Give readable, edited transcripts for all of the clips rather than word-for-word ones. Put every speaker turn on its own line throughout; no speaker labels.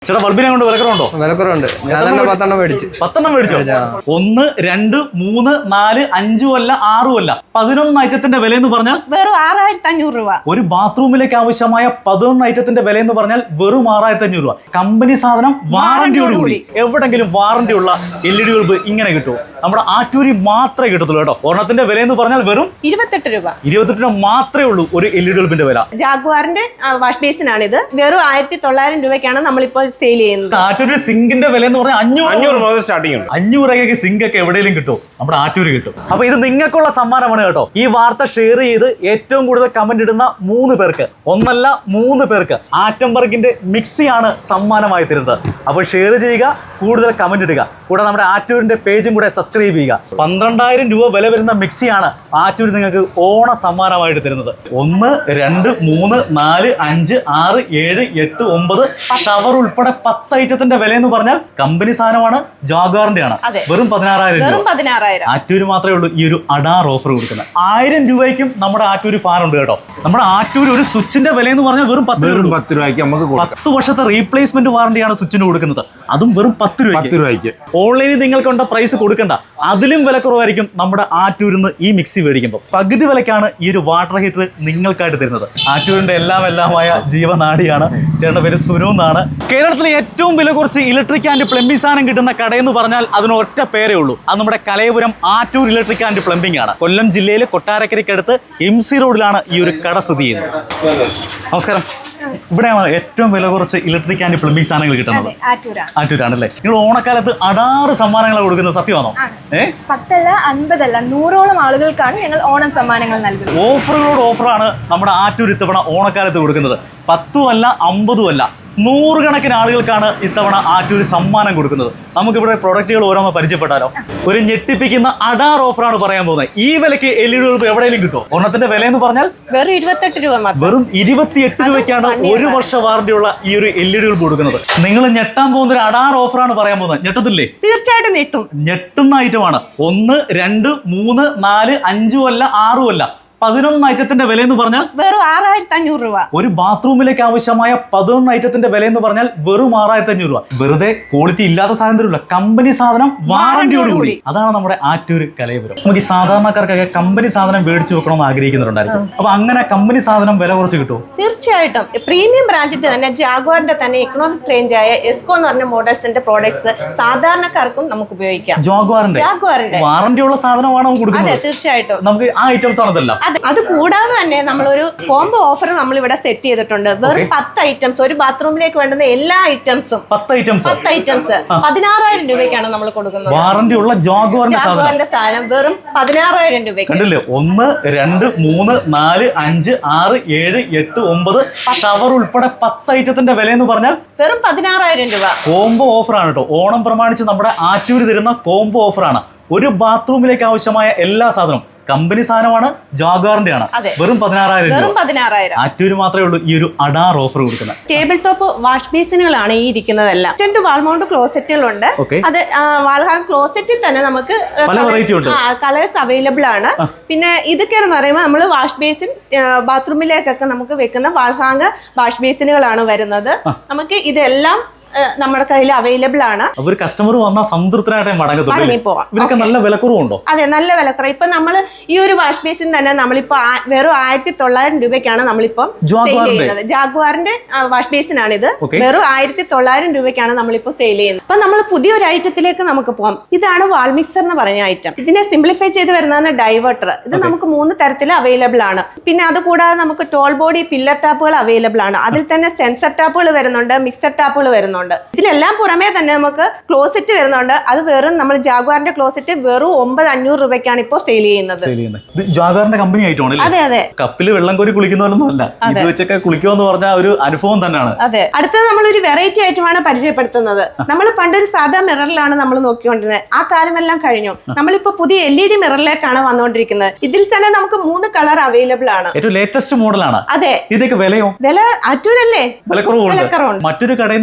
ചേട്ടാ ബൾബിനെ കൊണ്ട് വിലക്കുറവുണ്ടോ?
വിലക്കുറവുണ്ട്. ഞാൻ തന്നെ 10 മേടിച്ചു.
10 മേടിച്ചോ? 1, 2, 3, 4, 5 അല്ല 6 അല്ല 11 ഐറ്റത്തിന്റെ വില എന്ന് പറഞ്ഞാൽ
വെറും 6500 രൂപ.
ഒരു ബാത്റൂമിലേക്ക് ആവശ്യമായ 11 ഐറ്റത്തിന്റെ വില എന്ന് പറഞ്ഞാൽ വെറും 6500 രൂപ. കമ്പനി സാധനം വാറന്റിയോടുകൂടി. എവിടെങ്കിലും വാറന്റി ഉള്ള LED ബൾബ് ഇങ്ങനെ കിട്ടുമോ? നമ്മുടെ ആറ്റൂരി മാത്രമേ കിട്ടത്തുള്ളൂ കേട്ടോ. ഒരെണ്ണത്തിന്റെ വില എന്ന് പറഞ്ഞാൽ വെറും
28 രൂപ.
28 രൂപ മാത്രമേ ഉള്ളൂ ഒരു LED ബൾബിന്റെ വില.
ജാഗ്വാറിന്റെ വാഷ് ബേസിനാണ് ഇത്. വെറും 1900 രൂപയ്ക്കാണ് നമ്മളിപ്പോൾ സെയിൽ ചെയ്യുന്നത്.
ആറ്റൂരി സിങ്കിന്റെ വില എന്ന് പറഞ്ഞാൽ 500
മുതൽ സ്റ്റാർട്ടിംഗ് ഉണ്ട്.
500 രൂപയ്ക്ക് സിങ്ക് ഒക്കെ എവിടെയെങ്കിലും കിട്ടും, നമ്മുടെ ആറ്റൂര് കിട്ടും. അപ്പൊ ഇത് നിങ്ങൾക്കുള്ള സമ്മാനമാണ് കേട്ടോ. ഈ വാർത്ത ഷെയർ ചെയ്ത് ഏറ്റവും കൂടുതൽ കമന്റ് ഇടുന്ന 3 പേർക്ക്, ഒന്നല്ല 3 പേർക്ക് ആറ്റംബർഗിന്റെ മിക്സിയാണ് സമ്മാനമായി തരുന്നത്. അപ്പോൾ ഷെയർ ചെയ്യുക, കൂടുതൽ കമന്റ് ഇടുക, കൂടെ നമ്മുടെ ആറ്റൂരിന്റെ പേജും കൂടെ സബ്സ്ക്രൈബ് ചെയ്യുക. 12000 രൂപ വില വരുന്ന മിക്സിയാണ് ആറ്റൂര് നിങ്ങൾക്ക് ഓണ സമ്മാനമായിട്ട് തരുന്നത്. 1, 2, 3, 4, 5, 6, 7, 8, 9 ഷവർ ഉൾപ്പെടെ 10 ഐറ്റത്തിന്റെ വില എന്ന് പറഞ്ഞാൽ കമ്പനി സാധനമാണ്, ജാഗ്വാറിന്റെ ആണ്. വെറും 16000 രൂപ. ആറ്റൂര് മാത്രമേ ഉള്ളൂ ഈ ഒരു അഡാർ ഓഫർ കൊടുക്കുന്നത്. 1000 രൂപയ്ക്കും നമ്മുടെ ആറ്റൂര് ഫാൻ ഉണ്ട് കേട്ടോ. നമ്മുടെ ആറ്റൂര് ഒരു സ്വിച്ചിന്റെ വില എന്ന് പറഞ്ഞാൽ വെറും 10
രൂപയ്ക്ക് നമുക്ക്
10 വർഷത്തെ റീപ്ലേസ്മെന്റ് വാറന്റിയാണ് സ്വിച്ചിന് കൊടുക്കുന്നത്. അതും വെറും 10 രൂപയ്ക്ക്. ഓൺലൈനിൽ നിങ്ങൾക്കുണ്ട പ്രൈസ് കൊടുക്കണ്ട, അതിലും വിലക്കുറവായിരിക്കും നമ്മുടെ ആറ്റൂരിന്ന് ഈ മിക്സി മേടിക്കുമ്പോൾ. പകുതി വിലക്കാണ് ഈ ഒരു വാട്ടർ ഹീറ്റർ നിങ്ങൾക്കായിട്ട് തരുന്നത്. ആറ്റൂരിന്റെ എല്ലാമായ ജീവനാടിയാണ്. ചേട്ടന്റെ പേര് സുനു എന്നാണ്. കേരളത്തിലെ ഏറ്റവും വില കുറച്ച് ഇലക്ട്രിക് ആൻഡ് പ്ലംബിംഗ് സാധനം കിട്ടുന്ന കടയെന്ന് പറഞ്ഞാൽ അതിന് ഒറ്റ പേരേ ഉള്ളൂ. അത് നമ്മുടെ Kalayapuram Attoor electric and plumbing ആണ്. കൊല്ലം ജില്ലയിലെ കൊട്ടാരക്കരയ്ക്കടുത്ത് MC റോഡിലാണ് ഈ ഒരു കട സ്ഥിതി ചെയ്യുന്നത്. നമസ്കാരം. ഇവിടെയാണ് ഏറ്റവും വില കുറച്ച് ഇലക്ട്രിക് ആൻഡ് പ്ലംബിംഗ് സാധനങ്ങൾ കിട്ടുന്നത്. ആറ്റൂരാണല്ലേ? നിങ്ങൾ ഓണക്കാലത്ത് അടാറ് സമ്മാനങ്ങൾ കൊടുക്കുന്നത് സത്യമാണോ?
10 അല്ല 50 അല്ല 100ഓളം ആളുകൾക്കാണ് ഞങ്ങൾ ഓണം സമ്മാനങ്ങൾ നൽകുന്നത്.
ഓഫറുകളോട് ഓഫറാണ് നമ്മുടെ ആറ്റൂർ ഇത്തവണ ഓണക്കാലത്ത് കൊടുക്കുന്നത്. 10 അല്ല 50 അല്ല 100 കണക്കിന് ആളുകൾക്കാണ് ഇത്തവണ ആറ്റൂര് സമ്മാനം കൊടുക്കുന്നത്. നമുക്കിവിടെ പ്രൊഡക്റ്റുകൾ ഓരോന്ന് പരിചയപ്പെട്ടാലോ? ഒരു ഞെട്ടിപ്പിക്കുന്ന അഡാർ ഓഫറാണ് പറയാൻ പോകുന്നത്. ഈ വിലക്ക് LED ബൾബ് എവിടെയെങ്കിലും കിട്ടുമോ? ഒരെണ്ണത്തിന്റെ വില എന്ന് പറഞ്ഞാൽ
വെറും 28 രൂപ മാത്രം.
വെറും 28 രൂപയ്ക്കാണ് 1 വർഷ വാറന്റിയുള്ള ഈ ഒരു LED ബൾബ് കൊടുക്കുന്നത്. നിങ്ങൾ ഞെട്ടാൻ പോകുന്ന ഒരു അഡാർ ഓഫറാണ് പറയാൻ പോകുന്നത്. ഞെട്ടത്തില്ലേ?
തീർച്ചയായിട്ടും ഞെട്ടും.
ഞെട്ടുന്ന ഐറ്റമാണ്. 1, 2, 3, 4, 5 അല്ല 6 അല്ല 11 ഐറ്റത്തിന്റെ വില എന്ന് പറഞ്ഞാൽ
വെറും 6500 രൂപ.
ഒരു ബാത്റൂമിലേക്ക് ആവശ്യമായ 11 ഐറ്റത്തിന്റെ വില എന്ന് പറഞ്ഞാൽ വെറും 6500 രൂപ. വെറുതെ ക്വാളിറ്റി ഇല്ലാത്ത സാധനം തരില്ല, കമ്പനി സാധനം വാറന്റിയോടുകൂടി. അതാണ് നമ്മുടെ ആറ്റൂര് കലയപുരം. നമുക്ക് ഈ സാധാരണക്കാർക്കൊക്കെ കമ്പനി സാധനം മേടിച്ചു വെക്കണമെന്ന് ആഗ്രഹിക്കുന്നുണ്ടായിരിക്കും. അപ്പൊ അങ്ങനെ കമ്പനി സാധനം വില കുറച്ച് കിട്ടുമോ?
തീർച്ചയായിട്ടും. പ്രീമിയം ബ്രാൻഡിന്റെ തന്നെ ജാഗ്വാറിന്റെ തന്നെ എക്കണോമിക് റേഞ്ച് ആയ എസ്കോ എന്ന് പറഞ്ഞ മോഡൽസിന്റെ പ്രോഡക്ട്സ് സാധാരണക്കാർക്കും നമുക്ക് ഉപയോഗിക്കാം.
ജാഗ്വാറിന്റെ വാറന്റി ഉള്ള സാധനമാണ് നമുക്ക് കൊടുക്കുന്നത്.
അതെ, തീർച്ചയായിട്ടും.
നമുക്ക് ആ ഐറ്റംസ് ആണതല്ല.
അത് കൂടാതെ തന്നെ നമ്മളൊരു കോംബോ ഓഫർ നമ്മൾ ഇവിടെ സെറ്റ് ചെയ്തിട്ടുണ്ട്. വെറും 10 ഐറ്റംസ്, ഒരു ബാത്റൂമിലേക്ക് വേണ്ടുന്ന എല്ലാ ഐറ്റംസും 10 ഐറ്റംസ് 16000 രൂപയ്ക്കാണ് നമ്മൾ കൊടുക്കുന്നത്.
വാറന്റി ഉള്ള ജാഗ്വാറിന്റെ
സാധനം വെറും 16000 രൂപയ്ക്ക്.
1, 2, 3, 4, 5, 6, 7, 8, 9 ഷവർ ഉൾപ്പെടെ 10 ഐറ്റത്തിന്റെ വില എന്ന് പറഞ്ഞാൽ
വെറും 16000 രൂപ.
കോംബോ ഓഫറാണ് കേട്ടോ. ഓണം പ്രമാണിച്ച് നമ്മുടെ ആറ്റൂര് തരുന്ന കോംബോ ഓഫറാണ്. ഒരു ബാത്റൂമിലേക്ക് ആവശ്യമായ എല്ലാ സാധനവും കമ്പനി സാധനമാണ്, ജാഗ്വാറിന്റെ ആണ്. വെറും 16000 രൂപ. ആറ്റൂര് മാത്രമേ ഉള്ളൂ ഈ ഒരു അഡാർ ഓഫർ കൊടുക്കുന്നത്.
ടേബിൾ ടോപ്പ് വാഷ് ബേസിനുകളാണ് ഈ ഇരിക്കുന്നതെല്ലാം. 2 വാൾമൗണ്ട് ക്ലോസറ്റുകളുണ്ട്. അത് വാൾഹാങ് ക്ലോസറ്റിൽ തന്നെ നമുക്ക് കളേഴ്സ് അവൈലബിൾ ആണ്. പിന്നെ ഇതൊക്കെ എന്ന് പറയുമ്പോൾ നമ്മൾ വാഷ് ബേസിൻ ബാത്റൂമിലേക്കൊക്കെ നമുക്ക് വെക്കുന്ന വാൾഹാങ് വാഷ് ബേസിനുകളാണ് വരുന്നത്. നമുക്ക് ഇതെല്ലാം നമ്മുടെ കയ്യിൽ അവൈലബിൾ ആണ്.
ഒരു കസ്റ്റമർ വന്നാൽ സംതൃപ്തനായിട്ട് മടങ്ങി നല്ല വിലക്കുറവുണ്ടോ?
അതെ, നല്ല വിലക്കുറവ്. ഇപ്പൊ നമ്മൾ ഈ ഒരു വാഷ് ബേസിൻ തന്നെ നമ്മളിപ്പോ വെറും 1900 രൂപയ്ക്കാണ് നമ്മളിപ്പം സെയിൽ ചെയ്യുന്നത്. ജാഗ്വാറിന്റെ വാഷ് ബേസിനാണ് ഇത്. വെറും 1900 രൂപയ്ക്കാണ് നമ്മളിപ്പോ സെയിൽ ചെയ്യുന്നത്. അപ്പൊ നമ്മൾ പുതിയൊരു ഐറ്റത്തിലേക്ക് നമുക്ക് പോകാം. ഇതാണ് വാൾ മിക്സർ എന്ന് പറഞ്ഞ ഐറ്റം. ഇതിനെ സിംപ്ലിഫൈ ചെയ്ത് വരുന്നതാണ് ഡൈവേർട്ടർ. ഇത് നമുക്ക് 3 തരത്തിൽ അവൈലബിൾ ആണ്. പിന്നെ അത് കൂടാതെ നമുക്ക് ടോൾ ബോഡി പില്ലർ ടാപ്പുകൾ അവൈലബിൾ ആണ്. അതിൽ തന്നെ സെൻസർ ടാപ്പുകൾ വരുന്നുണ്ട്, മിക്സർ ടാപ്പുകൾ വരുന്നുണ്ട്. ഇതിനെല്ലാം പുറമേ തന്നെ നമുക്ക് ക്ലോസറ്റ് വരുന്നുണ്ട്. അത് വെറും നമ്മൾ ജാഗ്വാറിന്റെ ക്ലോസറ്റ് വെറും 9500 രൂപയ്ക്കാണ് ഇപ്പോൾ സെയിൽ ചെയ്യുന്നത്.
ജാഗ്വാറിന്റെ കമ്പനി ആയിട്ടാണ്.
അതെ അതെ.
കപ്പില് വെള്ളം കോരി കുളിക്കുന്നതൊന്നും അല്ല, ഇത് വെച്ചൊക്കെ കുളിക്കുമെന്ന് പറഞ്ഞ ഒരു അനുഭവം തന്നെയാണ്.
അതെ. അടുത്തത് നമ്മളൊരു വെറൈറ്റി ഐറ്റമാണ് പരിചയപ്പെടുത്തുന്നത്. നമ്മൾ പണ്ടൊരു സാധാ മിററിലാണ് നമ്മൾ നോക്കിക്കൊണ്ടിരുന്നത്. ആ കാലമെല്ലാം കഴിഞ്ഞു. നമ്മളിപ്പോ പുതിയ LED മിററിലേക്കാണ് വന്നുകൊണ്ടിരിക്കുന്നത്. ഇതിൽ തന്നെ നമുക്ക് 3 കളർ അവൈലബിൾ ആണ്.
ഏറ്റവും ലേറ്റസ്റ്റ് മോഡലാണ്.
അതെ.
ഇതിന്റെ വിലയോ?
വില ആറ്റൂരല്ലേ?
വിലക്കുറവുണ്ട്. മറ്റൊരു കടയിൽ നിന്ന് മേടിക്കുന്നതിനെ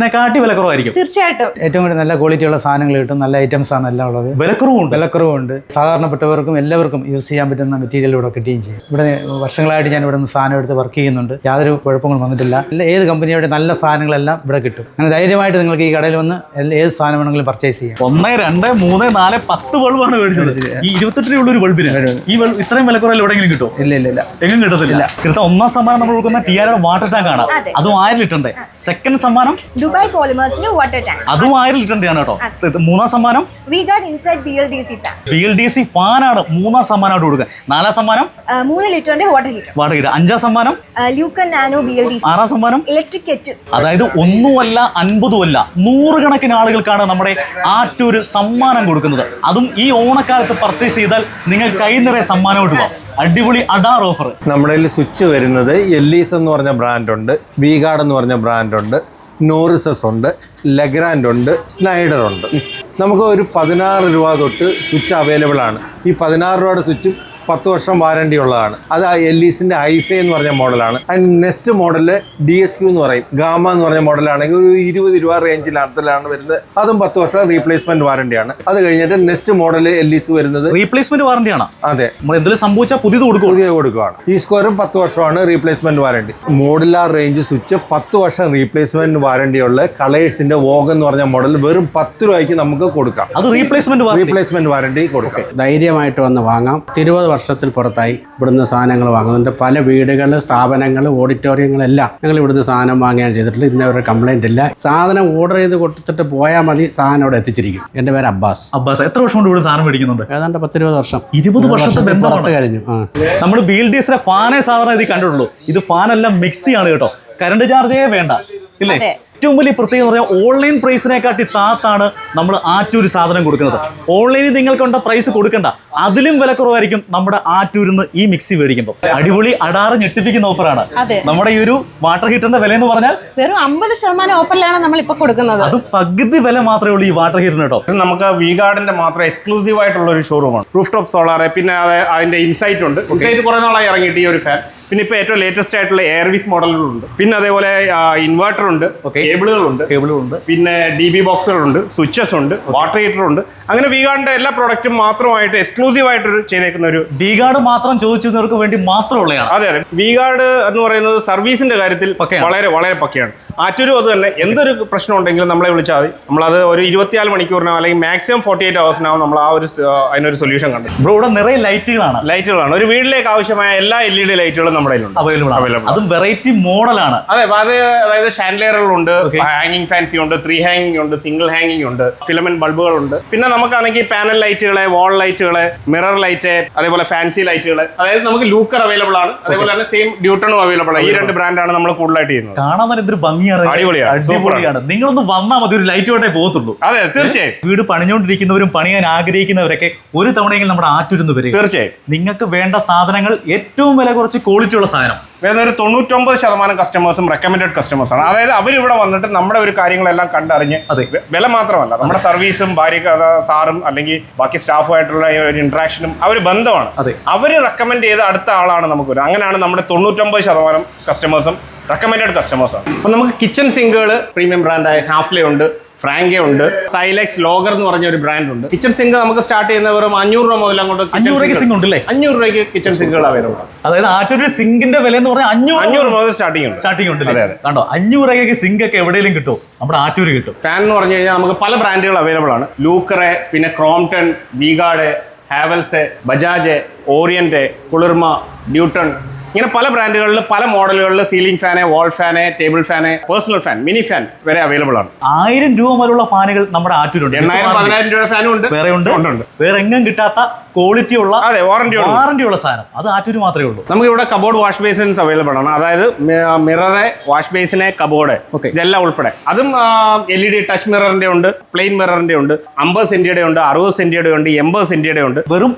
റീപ്ലേസ്മെന്റിനെക്കാട്ടി വിലക്കുറവായിരിക്കും.
തീർച്ചയായിട്ടും
ഏറ്റവും കൂടുതൽ നല്ല ക്വാളിറ്റിയുള്ള സാധനങ്ങൾ കിട്ടും, നല്ല ഐറ്റംസ് ആണ് എല്ലാം ഉള്ളത്.
വിലക്കുറവുണ്ട്.
വിലക്കുറവുണ്ട്. സാധാരണപ്പെട്ടവർക്കും എല്ലാവർക്കും യൂസ് ചെയ്യാൻ പറ്റുന്ന മെറ്റീരിയൽ ഇവിടെ കിട്ടുകയും ചെയ്യും. ഇവിടെ വർഷങ്ങളായിട്ട് ഞാൻ ഇവിടെ നിന്ന് സാധനം എടുത്ത് വർക്ക് ചെയ്യുന്നുണ്ട്. യാതൊരു കുഴപ്പങ്ങളും വന്നിട്ടില്ല. ഏത് കമ്പനിയുടെ നല്ല സാധനങ്ങളെല്ലാം ഇവിടെ കിട്ടും. അങ്ങനെ ധൈര്യമായിട്ട് നിങ്ങൾക്ക് ഈ കടയിൽ വന്ന് ഏത് സാധനം വേണമെങ്കിലും പർച്ചേസ് ചെയ്യാം.
1, 2, 3, 4, 10 ബൾബാണ് മേടിച്ചത്. ഈ 28 രൂപയുള്ള ഒരു ബൾബിന് ഈ ഇത്രയും വിലക്കുറവിൽ എവിടെയെങ്കിലും കിട്ടും?
ഇല്ല,
എങ്ങും കിട്ടത്തില്ല. കൃത്യം 1ാം സമ്മാനം നമ്മൾ കൊടുക്കുന്ന ടിആർഒ വാട്ടർ ടാങ്ക് ആണ്. അതും 1000 ലിറ്ററിന്റെ. സെക്കൻഡ് സമ്മാനം
ദുബായ് പോളിമേഴ്സിന്റെ വാട്ടർ ടാങ്ക്,
അതും 1000 ലിറ്ററിന്റെ ആണ് കേട്ടോ. 3ാം സമ്മാനം
V-Guard inside BLDC fan.
BLDC ഫാനാണ് 3ാം സമ്മാനമായിട്ട് കൊടുക്കുക. 4ാം സമ്മാനം
3 ലിറ്ററിന്റെ വാട്ടർ ഹീറ്റർ.
5ാം സമ്മാനം
ലൂക്കൻ നാനോ BLDC.
6ാം സമ്മാനം
ഇലക്ട്രിക് കെറ്റ്.
അതായത് 1ഉമല്ല 50ഉമല്ല 100 കണക്കിന് ആളുകൾക്കാണ് നമ്മുടെ ആറ്റൂര് സമ്മാനം കൊടുക്കുന്നത്. അതും ഈ ഓണക്കാലത്ത് പർച്ചേസ് ചെയ്താൽ നിങ്ങൾ കൈ നിറയെ സമ്മാനമായിട്ട് പോകാം. അടിപൊളി അഡാർ ഓഫർ.
നമ്മുടെ കയ്യിൽ സ്വിച്ച് വരുന്നത് എല്ലീസ് എന്ന് പറഞ്ഞ ബ്രാൻഡുണ്ട്, V-Guard എന്ന് പറഞ്ഞ ബ്രാൻഡുണ്ട്, നോറിസസ് ഉണ്ട്, ലെഗ്രാൻഡ് ഉണ്ട്, സ്നൈഡർ ഉണ്ട്. നമുക്ക് ഒരു 16 രൂപ തൊട്ട് സ്വിച്ച് അവൈലബിൾ ആണ്. ഈ 16 രൂപയുടെ സ്വിച്ചും 10 വർഷം വാറണ്ടി ഉള്ളതാണ്. അത് എല്ലീസിന്റെ ഐഫൈ എന്ന് പറഞ്ഞ മോഡലാണ്. അതിന് നെക്സ്റ്റ് മോഡല് DSQ എന്ന് പറയും. ഗാമ എന്ന് പറഞ്ഞ മോഡലാണെങ്കിൽ ഒരു 20 രൂപ റേഞ്ചിലാണ് വരുന്നത്. അതും 10 വർഷം റീപ്ലേസ്മെന്റ് വാറണ്ടിയാണ്. അത് കഴിഞ്ഞിട്ട് നെക്സ്റ്റ് മോഡല് എല്ലീസ് വരുന്നത്
റീപ്ലേസ്മെന്റ് വാറണ്ടിയാണ്.
അതെ,
നമ്മൾ എന്തെങ്കിലും സംഭവിച്ചാൽ പുതിയത്
കൊടുക്കുകയാണ്. ഈ സ്ക്വയറും 10 വർഷമാണ് replacement warranty. Modular range switch 10 വർഷം റീപ്ലേസ്മെന്റ് വാറണ്ടിയുള്ള കളേഴ്സിന്റെ വോഗ് എന്ന് പറഞ്ഞ മോഡൽ വെറും 10 രൂപയ്ക്ക് നമുക്ക് കൊടുക്കാം.
അത്
റീപ്ലേസ്മെന്റ് വാറണ്ടി കൊടുക്കാം.
ധൈര്യമായിട്ട് വന്ന് വാങ്ങാം. 20 വർഷത്തിൽ പുറത്തായി ഇവിടുന്ന് സാധനങ്ങൾ വാങ്ങുന്നുണ്ട്. പല വീടുകൾ, സ്ഥാപനങ്ങൾ, ഓഡിറ്റോറിയങ്ങളെല്ലാം ഞങ്ങൾ ഇവിടുന്ന് സാധനം വാങ്ങുകയാണ് ചെയ്തിട്ടുള്ളത്. ഇന്ന ഒരു കംപ്ലൈന്റ് ഇല്ല. സാധനം ഓർഡർ ചെയ്ത് കൊടുത്തിട്ട് പോയാൽ മതി, സാധനം അവിടെ എത്തിച്ചിരിക്കും. എൻ്റെ പേര് അബ്ബാസ്.
എത്ര വർഷം കൊണ്ട് ഇവിടെ സാധനം മേടിക്കുന്നുണ്ട്?
ഏതാണ്ട് 10-20 വർഷം.
20 വർഷത്തെ
പുറത്ത് കഴിഞ്ഞു.
നമ്മൾ BLDCയുടെ ഫാനേ സാധാരണ ഇത് കണ്ടിട്ടുള്ളൂ. ഇത് ഫാനല്ല, മിക്സിയാണ് കേട്ടോ. കറണ്ട് ചാർജേ വേണ്ട, ഇല്ലേ? ഏറ്റവും വലിയ പ്രത്യേകത എന്ന് പറഞ്ഞാൽ ഓൺലൈൻ പ്രൈസിനെക്കാട്ടി താത്താണ് നമ്മൾ ആറ്റൂര് സാധനം കൊടുക്കുന്നത്. ഓൺലൈനിൽ നിങ്ങൾക്കുണ്ട പ്രൈസ് കൊടുക്കണ്ട, അതിലും വിലക്കുറവായിരിക്കും നമ്മുടെ ആറ്റൂരിൽ നിന്ന് ഈ മിക്സി മേടിക്കുമ്പോൾ. അടിപൊളി അടാറ് ഞെട്ടിപ്പിക്കുന്ന ഓഫറാണ്. നമ്മുടെ ഈ ഒരു വാട്ടർ ഹീറ്ററിന്റെ വില എന്ന് പറഞ്ഞാൽ
വെറും 50% ഓഫറിലാണ് നമ്മൾ ഇപ്പൊ കൊടുക്കുന്നത്.
അത് പകുതി വില മാത്രമേ ഉള്ളൂ ഈ വാട്ടർ ഹീറ്ററിന് കേട്ടോ.
നമുക്ക് V-Guardന്റെ മാത്രം എക്സ്ക്ലൂസീവ് ആയിട്ടുള്ള ഒരു ഷോറൂമാണ്. റൂഫ് ടോപ്പ് സോളാർ, പിന്നെ അതിന്റെ ഇൻസൈറ്റ് ഉണ്ട്. ഇൻസൈറ്റ് കുറെ നാളായി ഇറങ്ങിയിട്ട് ഈ ഒരു ഫാൻ. പിന്നെ ഇപ്പൊ ഏറ്റവും ലേറ്റസ്റ്റ് ആയിട്ടുള്ള എയർവിസ് മോഡലുകളുണ്ട്. പിന്നെ അതേപോലെ ഇൻവെർട്ടർ ഉണ്ട്, കേബിളുകളുണ്ട്, പിന്നെ DB ബോക്സുകളുണ്ട്, സ്വിച്ചസ് ഉണ്ട്, വാട്ടർ ഹീറ്റർ ഉണ്ട്. അങ്ങനെ V-Guardന്റെ എല്ലാ പ്രോഡക്റ്റും മാത്രമായിട്ട് എക്സ്ക്ലൂസീവ് ആയിട്ട് ചെയ്തേക്കുന്ന ഒരു
V-Guard മാത്രം ചോദിച്ചവർക്ക് വേണ്ടി മാത്രമുള്ളതാണ്.
അതെ, V-Guard എന്ന് പറയുന്നത് സർവീസിന്റെ കാര്യത്തിൽ വളരെ വളരെ പക്കയാണ്. ആറ്റൂരും അത് തന്നെ. എന്തൊരു പ്രശ്നം ഉണ്ടെങ്കിലും നമ്മളെ വിളിച്ചാൽ മതി. നമ്മളത് ഒരു 24 മണിക്കൂറിനോ അല്ലെങ്കിൽ മാക്സിമം 48 അവേഴ്സിനാവും നമ്മൾ അതിനൊരു സൊല്യൂഷൻ കണ്ടു.
ബ്രോ, ഇവിടെ നിറയെ ലൈറ്റുകളാണ്.
ഒരു വീട്ടിലേക്ക് ആവശ്യമായ എല്ലാ LED ലൈറ്റുകളും നമ്മുടെ കയ്യിലുണ്ട്, അവൈലബിൾ.
അതും വെറൈറ്റി മോഡലാണ്.
അതെ, അതായത് ഷാൻഡലിയറുകളുണ്ട്, ഹാങ്ങിങ് ഫാൻസി ഉണ്ട്, 3 ഹാങ്ങിങ് ഉണ്ട്, സിംഗിൾ ഹാങ്ങിങ് ഉണ്ട്, ഫിലമെന്റ് ബൾബുകളുണ്ട്. പിന്നെ നമുക്കാണെങ്കിൽ പാനൽ ലൈറ്റുകളെ, വാൾ ലൈറ്റുകളെ, മിറർ ലൈറ്റ്, അതേപോലെ ഫാൻസി ലൈറ്റുകൾ. അതായത് നമുക്ക് ലൂക്കർ അവൈലബിൾ ആണ്. അതേപോലെ തന്നെ സെയിം ഡ്യൂട്ടണും അവൈലബിൾ ആണ്. ഈ 2 ബ്രാൻഡാണ് നമ്മൾ കൂടുതലായിട്ട് ചെയ്യുന്നത്.
കാണാൻ എന്തൊരു ഭംഗിയാണ്, അടിപൊളിയാണ്. നിങ്ങളൊന്ന് വന്നാൽ മതി, ഒരു ലൈറ്റ് വേണ്ടേ പോകത്തുള്ളൂ.
അതെ, തീർച്ചയായും.
വീട് പണിഞ്ഞുകൊണ്ടിരിക്കുന്നവരും പണിയാൻ ആഗ്രഹിക്കുന്നവരൊക്കെ ഒരു തവണയെങ്കിലും നമ്മുടെ ആറ്റൂരിന്ന് വരിക.
തീർച്ചയായും.
നിങ്ങൾക്ക് വേണ്ട സാധനങ്ങൾ ഏറ്റവും വില കുറച്ച് ക്വാളിറ്റി ഉള്ള സാധനം.
വേറെ ഒരു 99% കസ്റ്റമേഴ്സും റെക്കമെൻഡഡ് കസ്റ്റമേഴ്സാണ്. അതായത് അവരിവിടെ വന്നിട്ട് നമ്മുടെ ഒരു കാര്യങ്ങളെല്ലാം കണ്ടറിഞ്ഞ്, വില മാത്രമല്ല നമ്മുടെ സർവീസും സാറും അല്ലെങ്കിൽ ബാക്കി സ്റ്റാഫുമായിട്ടുള്ള ഒരു ഇന്ററാക്ഷനും ഒരു ബന്ധമാണ്. അവർ റെക്കമെൻഡ് ചെയ്ത അടുത്ത ആളാണ് നമുക്ക് വരുന്നത്. അങ്ങനെയാണ് നമ്മുടെ 99% കസ്റ്റമേഴ്സും റെക്കമെൻഡഡ് കസ്റ്റമേഴ്സാണ്. അപ്പം നമുക്ക് കിച്ചൺ സിങ്കുകൾ പ്രീമിയം ബ്രാൻഡായ ഹാഫ്ലെ ഉണ്ട്, ഫ്രാങ്കെ ഉണ്ട്, സൈലെക്സ് ലോഗർ എന്ന് പറഞ്ഞ ഒരു ബ്രാൻഡ് ഉണ്ട്. കിച്ചൺ സിങ്ക് നമുക്ക് സ്റ്റാർട്ട് ചെയ്യുന്ന വെറും 500 രൂപ മുതൽ അങ്ങോട്ട്
500 സിങ്ക് ഉണ്ടല്ലേ?
500 രൂപയ്ക്ക് കിച്ചൺ സിങ്കുകൾ അവൈലബിൾ ആണ്.
അതായത് ആറ്റൂര് സിങ്കിന്റെ വില എന്ന് പറഞ്ഞാൽ 500
മുതൽ സ്റ്റാർട്ടിംഗ് ഉണ്ട്.
കണ്ടോ, 500 രൂപയ്ക്ക് സിങ്ക് ഒക്കെ എവിടെയെങ്കിലും കിട്ടും, നമ്മുടെ ആറ്റൂര് കിട്ടും.
ഫാൻ എന്ന് പറഞ്ഞു കഴിഞ്ഞാൽ നമുക്ക് പല ബ്രാൻഡുകൾ അവൈലബിൾ ആണ്. ലൂക്കറെ, പിന്നെ Crompton, V-Guard, Havells, Bajaj, Orient, Kulirma, Newton, ഇങ്ങനെ പല ബ്രാൻഡുകളിൽ പല മോഡലുകളിൽ ceiling fan, wall fan, table fan, personal fan, mini fan വരെ അവൈലബിൾ ആണ്.
1000 രൂപ മുതലുള്ള ഫാനുകൾ നമ്മുടെ ആറ്റൂരുണ്ട്.
8,000-10,000 രൂപ ഫാനും ഉണ്ട്.
വേറെ എങ്ങും കിട്ടാത്ത ക്വാളിറ്റി ഉള്ള, വാറന്റി ഉള്ള സാധനം അത് ആറ്റൂര് മാത്രമേ ഉള്ളൂ.
നമുക്ക് ഇവിടെ കബോർഡ് വാഷ് ബേസിൻസ് അവൈലബിൾ ആണ്. അതായത് മിററെ, വാഷ് ബേസിനെ, കബോർഡ്, ഇതെല്ലാം ഉൾപ്പെടെ. അതും LED ടച്ച് മിററിന്റെ ഉണ്ട്, പ്ലെയിൻ മിററിന്റെ ഉണ്ട്, 50 സെന്റിയുടെ ഉണ്ട്, 60 സെന്റിയുടെ ഉണ്ട്, 80 സെന്റിയുടെ ഉണ്ട്.
വെറും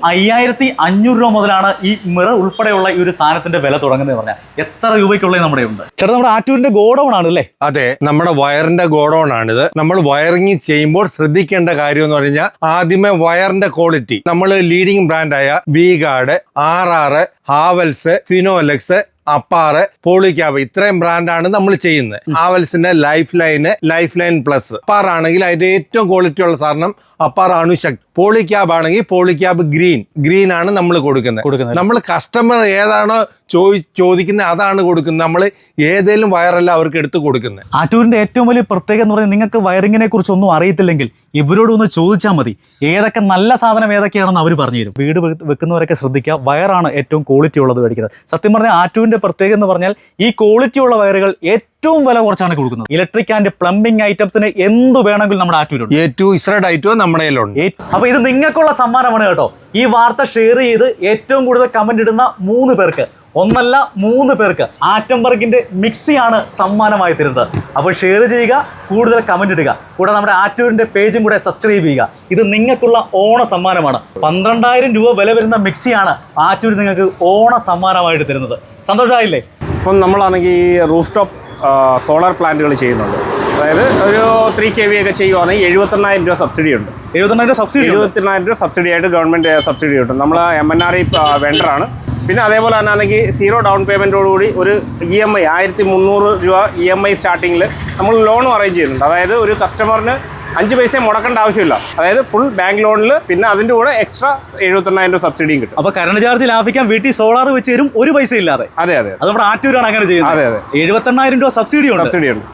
5500 രൂപ മുതലാണ് ഈ മിറർ ഉൾപ്പെടെയുള്ള ഈ ഒരു സാധനത്തിന്റെ വില തുടങ്ങുന്നത് പറഞ്ഞാൽ. എത്ര രൂപയ്ക്കുള്ളത് നമ്മുടെ ഉണ്ട്? ചേട്ടാ, നമ്മുടെ ആറ്റൂരിന്റെ ഗോഡൌൺ ആണ് അല്ലേ?
അതെ, നമ്മുടെ വയറിന്റെ ഗോഡൌൺ ആണിത്. നമ്മൾ വയറിങ് ചെയ്യുമ്പോൾ ശ്രദ്ധിക്കേണ്ട കാര്യം എന്ന് പറഞ്ഞാൽ ആദ്യമേ വയറിന്റെ ക്വാളിറ്റി. നമ്മൾ ലീഡിംഗ് ബ്രാൻഡായ V-Guard, RR, ഹാവൽസ്, ഫിനോലെക്സ്, അപ്പാറ്, പോളിക്യാബ് ഇത്രയും ബ്രാൻഡാണ് നമ്മൾ ചെയ്യുന്നത്. ഹാവൽസിന്റെ ലൈഫ് ലൈൻ പ്ലസ്. അപ്പാറാണെങ്കിൽ അതിന്റെ ഏറ്റവും ക്വാളിറ്റി ഉള്ള സാധനം അപ്പാർ അണുശക്തി. പോളിക്യാബ് ആണെങ്കിൽ പോളിക്യാബ് ഗ്രീൻ ആണ് നമ്മൾ കൊടുക്കുന്നത്. നമ്മൾ കസ്റ്റമർ ഏതാണോ ചോദിക്കുന്നത് അതാണ് കൊടുക്കുന്നത്. നമ്മൾ ഏതെങ്കിലും വയറല്ല അവർക്ക് എടുത്ത് കൊടുക്കുന്നത്.
ആറ്റൂരിന്റെ ഏറ്റവും വലിയ പ്രത്യേകത എന്ന് പറഞ്ഞാൽ നിങ്ങൾക്ക് വയറിങ്ങിനെ കുറിച്ച് ഒന്നും അറിയത്തില്ലെങ്കിൽ ഇവരോട് ഒന്ന് ചോദിച്ചാൽ മതി. ഏതൊക്കെ നല്ല സാധനം ഏതൊക്കെയാണെന്ന് അവർ പറഞ്ഞു തരും. വീട് വെക്കുന്നവരൊക്കെ ശ്രദ്ധിക്കുക, വയറാണ് ഏറ്റവും ക്വാളിറ്റി ഉള്ളത് മേടിക്കുന്നത്. സത്യം പറഞ്ഞാൽ ആറ്റൂരിന്റെ പ്രത്യേകത എന്ന് പറഞ്ഞാൽ ഈ ക്വാളിറ്റി ഉള്ള വയറുകൾ ഏറ്റവും വില കുറച്ചാണ് കൊടുക്കുന്നത്. ഇലക്ട്രിക് ആൻഡ് പ്ലംബിംഗ് ഐറ്റംസിന് എന്ത് വേണമെങ്കിലും നമ്മുടെ ആറ്റൂരുണ്ട്.
ഏറ്റവും ഇസ്രഡ് ഐറ്റവും നമ്മുടെ കയ്യിലുണ്ട്.
അപ്പൊ ഇത് നിങ്ങൾക്കുള്ള സമ്മാനമാണ് കേട്ടോ. ഈ വാർത്ത ഷെയർ ചെയ്ത് ഏറ്റവും കൂടുതൽ കമന്റ് ഇടുന്ന 3 പേർക്ക്, ഒന്നല്ല 3 പേർക്ക് ആറ്റംബർഗിന്റെ മിക്സിയാണ് സമ്മാനമായി തരുന്നത്. അപ്പോൾ ഷെയർ ചെയ്യുക, കൂടുതൽ കമന്റ് ഇടുക, കൂടെ നമ്മുടെ ആറ്റൂരിന്റെ പേജും കൂടെ സബ്സ്ക്രൈബ് ചെയ്യുക. ഇത് നിങ്ങൾക്കുള്ള ഓണ സമ്മാനമാണ്. 12,000 രൂപ വില വരുന്ന മിക്സിയാണ് ആറ്റൂർ നിങ്ങൾക്ക് ഓണ സമ്മാനമായിട്ട് തരുന്നത്. സന്തോഷമായില്ലേ?
ഇപ്പം നമ്മളാണെങ്കിൽ ഈ റൂഫ് ടോപ്പ് സോളാർ പ്ലാന്റുകൾ ചെയ്യുന്നുണ്ട്. അതായത് ഒരു 3 kV ഒക്കെ ചെയ്യുവാണെങ്കിൽ 72,000 രൂപ സബ്സിഡി ഉണ്ട്. 72,000 രൂപ സബ്സിഡി ആയിട്ട് ഗവൺമെൻറ് സബ്സിഡി കിട്ടും. നമ്മൾ MNRE വെണ്ടറാണ്. പിന്നെ അതേപോലെ തന്നെ ആണെങ്കിൽ 0 ഡൗൺ പേയ്മെൻറ്റോടുകൂടി ഒരു EMI 1,300 രൂപ EMI സ്റ്റാർട്ടിങ്ങിൽ നമ്മൾ ലോണും അറേഞ്ച് ചെയ്യുന്നുണ്ട്. അതായത് ഒരു കസ്റ്റമറിന് 5 പൈസ മുടക്കേണ്ട ആവശ്യമില്ല. അതായത് ഫുൾ ബാങ്ക് ലോണിൽ പിന്നെ അതിൻ്റെ കൂടെ എക്സ്ട്രാ 72,000 രൂപ സബ്സിഡിയും കിട്ടും.
അപ്പോൾ കറണ്ട് ചാർജ് ലാഭിക്കാൻ വീട്ടിൽ സോളാർ വെച്ച് തരും, ഒരു പൈസ ഇല്ലാതെ.
അതെ.
അത് നമ്മുടെ ആറ്റൂരാണ് അങ്ങനെ ചെയ്യുന്നത്. 72,000 രൂപ സബ്സിഡി ഉണ്ട്.